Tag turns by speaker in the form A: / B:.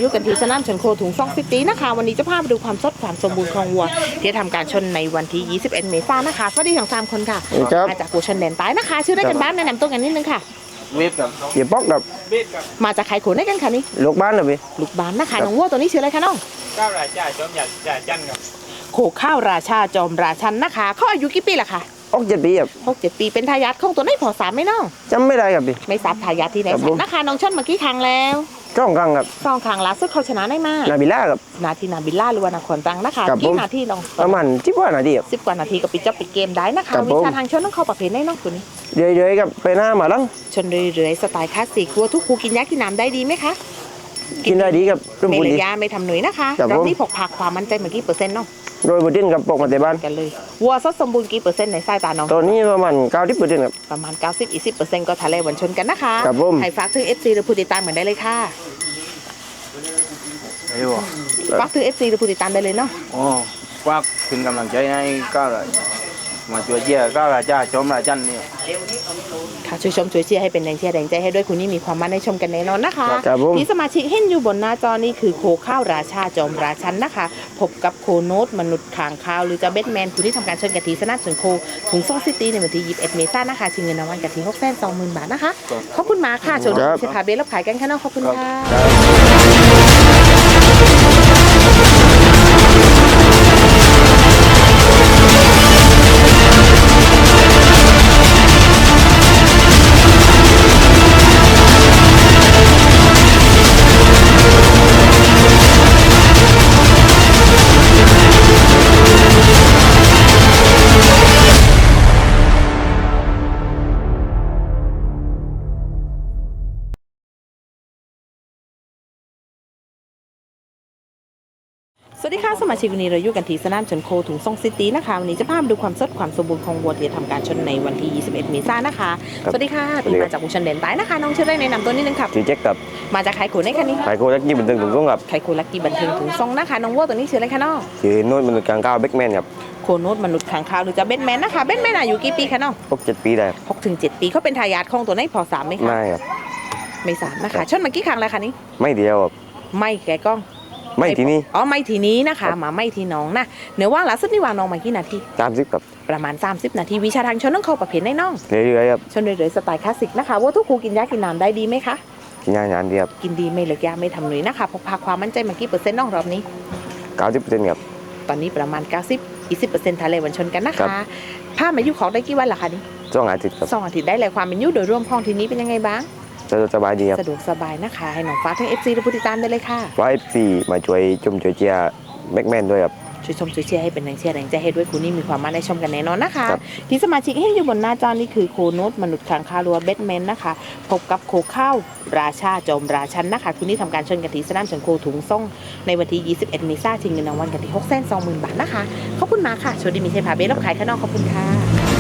A: อยู่กันที่สนามชนโคถุงซ่องซิตี้นะคะวันนี้จะพาไปดูความสดความสมบูรณ์ของวัวที่ทำการชนในวันที่ 21 เมษายนนะคะสวัสดีทั้ง3คนค่ะมาจากกูชนแดนใต้นะคะชื่อได้กันบ้านแนะนำตัวกันนิดนึงค่ะ
B: เวฟกับ
C: เดี๋ยวป๊อกกับ
A: มาจากใครขนได้กันค่ะนี่
C: ลูกบ้านเหรอพี่
A: ลูกบ้านนะคะน้องวัวตัวนี้ชื่ออะไรคะน้อง
B: ข้าวราชาจอมหยัดจ่าจันครับ
A: โขข้าวราชาจอมราชันนะคะเขาอายุกี่ปีล่ะคะ
C: 6-7 ปีครับ
A: 6-7 ปีเป็นทายาทของตัวนี้พอ3ไหมน้อง
C: จำไม่ได้ครับพี่
A: ไม่ทราบทายาทที่ไหนนะคะน้องชนเมื่อกี้ครั้งแล้ว
C: 2 ครั้งครับ
A: 2 ครั้งล่าสุดเขาชนะได้มาก
C: นาบิล่าครับ
A: นาทีนาบิลล่าหรือว่านครตรังนะคะกี่นาทีลอง
C: ประมาณ10 กว่านาทีครับ
A: 10 กว่านาทีก็ปิดจบปิดเกมได้นะคะวิชาทางชนต้องเข้าประเภทได้นอกตัวนี้
C: เรื่อยๆครับไปหน้ามาลัง
A: ชนเรื่อยๆสไตล์คลาสสิกวัวทุกคูกินยากินน้ำได้ดีไหมคะ
C: กินได้ดีครับ
A: ไม่เลยยาไม่ทำหนุ่ยนะคะรอบนี้พกพาความมั่นใจเมื่อกี้เปอร์เซ็นต์เนาะ
C: โดยบุดินกับปกมาแต่บ้าน
A: กันเลยวัวสดสมบูรณ์กี่เปอร์เซ็นต์ในสายตาน้อง
C: ตอนนี้ประมาณ90%ครับ
A: ประมาณ90-20%ก็ทะเลวันชนกันนะคะ
C: ครับผม
A: ให้ฝากถึง FC หรือผู้ติดตามเหมือนได้เลยค่ะฝากถึง FC หรือผู้ติดตามได้เลยเนาะ
B: อ๋อฝากเป็นกำลังใจให้ก้าวมาช่วยเชียร์ก้าวราชาจอมราชันนี่
A: ค่ะช่วยชมช่วยเชียร์ให้เป็นแรงเชียร์แรงใจให้ด้วยคุณนี่มีความมั่นในชมกันแน่นอนนะคะที่สมาชิกเห็นอยู่บนหน้าจอนี่คือโคข้าวราชาจอมราชันนะคะพบกับโคโนตมนุษย์ขางคาวหรือจะเบทแมนคุณที่ทำการชนกะทิสนามชนโคถุงซ่องซิตี้ในวันที่21 เมษายนนะคะชิงเงินรางวัลกะทิ620,000 บาทนะคะขอบคุณมากค่ะชมเชียร์พาเบสรับขายกันค่ะน้องขอบคุณสวัสดีค่ะสมาชิกวันนี้เราอยู่กันที่สนามชนโคถุงซ่องซิตี้นะคะวันนี้จะพาไปดูความสดความสมบูรณ์ของวัวที่ทำการชนในวันที่21 เมษายนนะคะสวัสดีค่ะที่มาจากกูชนแดนใต้นะคะน้องชื่ออะไรแนะนำตัวนิดนึงครับ
C: ชื่อแจ็คครับ
A: มาจากไข่โคในคันนี้
C: ไข่โคลักกี้บันเทิงถุงซ่งครับ
A: ไข่โคลักกี้บันเทิงถุงซ่งนะคะน้องวัวตัวนี้ชื่ออะไรคะน้อง
C: ชื่อโน้ตมนุษย์กลางก้าวเบคแมนครับ
A: โคโนตมนุษย์ขังคาวหรือจะเบทแมนนะคะเบทแมนอายุกี่ปีคะน้อง
C: 6-7 ปีได้
A: 6-7 ปีเขาเป็นทายาทของตัวนี้พอ3ไหมคะ
C: ไม่ครับ
A: ไม่3นะคะชนเมื่อกี้ครั้งอะไรคะนี้
C: ไม่เดียวครับ
A: ไม่แกกล้อง
C: ไม่ทีนี้
A: อ๋อไม่ทีนี้นะคะมาไม่ทีน้องนะเนื้อว่าล่าสุดนี่วางน้องมากี่นาที
C: 30ครับ
A: ประมาณ30 นาทีวิชาทางชนต้องเข้าประเภทในน้อง
C: เรื่อยๆครับ
A: ชนเรื่อยๆสไตล์คลาสสิกนะคะว่าทุกครูกินยากินน้ำได้ดีไหมคะ
C: กินยาดีครับ
A: กินดีไม่เลิกยาไม่ทำหนุ่ยนะคะพกพาความมั่นใจมากี่เปอร์เซ็นต์น้องรอบนี้
C: 90%ครับ
A: ตอนนี้ประมาณ90-20%ทะเลวันชนกันนะคะผ้ามายุของได้กี่วันล่ะคะนี่
C: 2 อาทิตย์ครับ
A: 2 อาทิตย์ได้เลยความเป็นยุโดยรวมของทีนี้เป็นยังไงบ้าง
C: สะดวกสบายดีครับ
A: สะดวกสบายนะคะให้น้องฟ้าทั้ง FC และผู้ติดตามได้เลยค่ะ
C: ว่า FC มาช่วยชมช่วยเชียร์แบ็กแมนด้วยครับ
A: ช่วยชมช่วยเชียร์ให้เป็นแรงเชียร์แรงใจให้ด้วยคุณนี่มีความมั่นในชมกันแน่นอนนะคะที่สมาชิกให้อยู่บนหน้าจอนี่คือโคโนตมนุษย์ขังคาวรัวเบทแมนนะคะพบกับโคข้าวราชาจอมราชันนะคะคุณนี่ทำการชนกันที่สนามชนโคถุงซ่องในวันที่21 เมษายนชิงเงินรางวัลกันที่620,000 บาทนะคะขอบคุณมากค่ะโชคดีมีชัยพาเบสรับขายข้างนอกขอบคุณค่ะ